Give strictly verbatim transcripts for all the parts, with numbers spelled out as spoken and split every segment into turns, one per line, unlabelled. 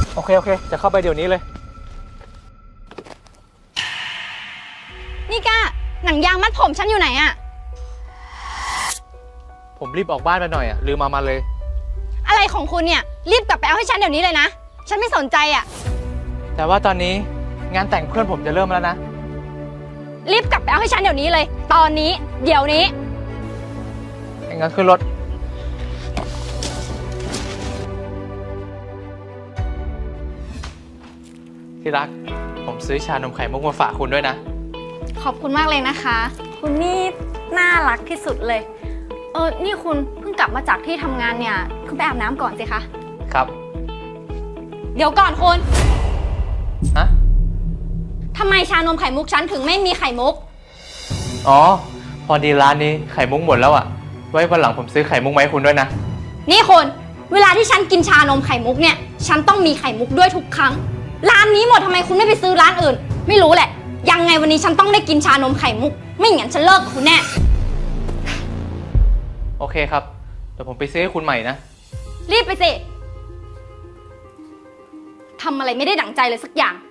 โอเคโอเคจะเข้าไปเดี๋ยวนี้เลย
นี่ก้าหนังยางมัดผมฉันอยู่ไหนอะ
ผมรีบออกบ้านไปหน่อยอะลืมมามาเลย
อะไรของคุณเนี่ยรีบกลับไปเอาให้ฉันเดี๋ยวนี้เลยนะฉันไม่สนใจอะ
แต่ว่าตอนนี้งานแต่งเพื่อนผมจะเริ่มแล้วนะ
รีบกลับไปเอาให้ฉันเดี๋ยวนี้เลย ตอนนี้เดี๋ยวนี้
งั้นขึ้นรถที่รักผมซื้อชานมไข่มุกมาฝากคุณด้วยนะ
ขอบคุณมากเลยนะคะคุณนี่น่ารักที่สุดเลยเออนี่คุณเพิ่งกลับมาจากที่ทำงานเนี่ยคุณไปอาบน้ำก่อนสิคะ
ครับ
เดี๋ยวก่อนคุณ
ฮะ
ทำไมชานมไข่มุกฉันถึงไม่มีไข่มุก
อ๋อพอดีร้านนี้ไข่มุกหมดแล้วอ่ะไว้วันหลังผมซื้อไข่มุกมาให้คุณด้วยนะ
นี่คุณเวลาที่ฉันกินชานมไข่มุกเนี่ยฉันต้องมีไข่มุกด้วยทุกครั้งร้านนี้หมดทำไมคุณไม่ไปซื้อร้านอื่นไม่รู้แหละยังไงวันนี้ฉันต้องได้กินชานมไข่มุกไม่งั้นฉันเลิกกับคุณแน่
โอเคครับเดี๋ยวผมไปซื้อให้คุณใหม่นะ
รีบไปสิทำอะไรไม่ได้ดั่งใจเลยสักอย่าง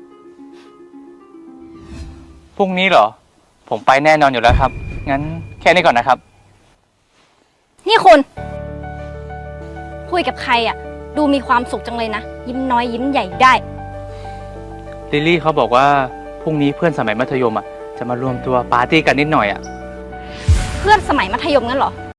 พรุ่งนี้เหรอผมไปแน่นอนอยู่แล้วครับงั้นแค่นี้ก่อนนะครับ
นี่คุณคุยกับใครอ่ะดูมีความสุขจังเลยนะยิ้มน้อยยิ้มใหญ่ได้
ลิลลี่เขาบอกว่าพรุ่งนี้เพื่อนสมัยมัธยมอ่ะจะมารวมตัวปาร์ตี้กันนิดหน่อยอ่ะ
เพื่อนสมัยมัธยมงั้นเหรอ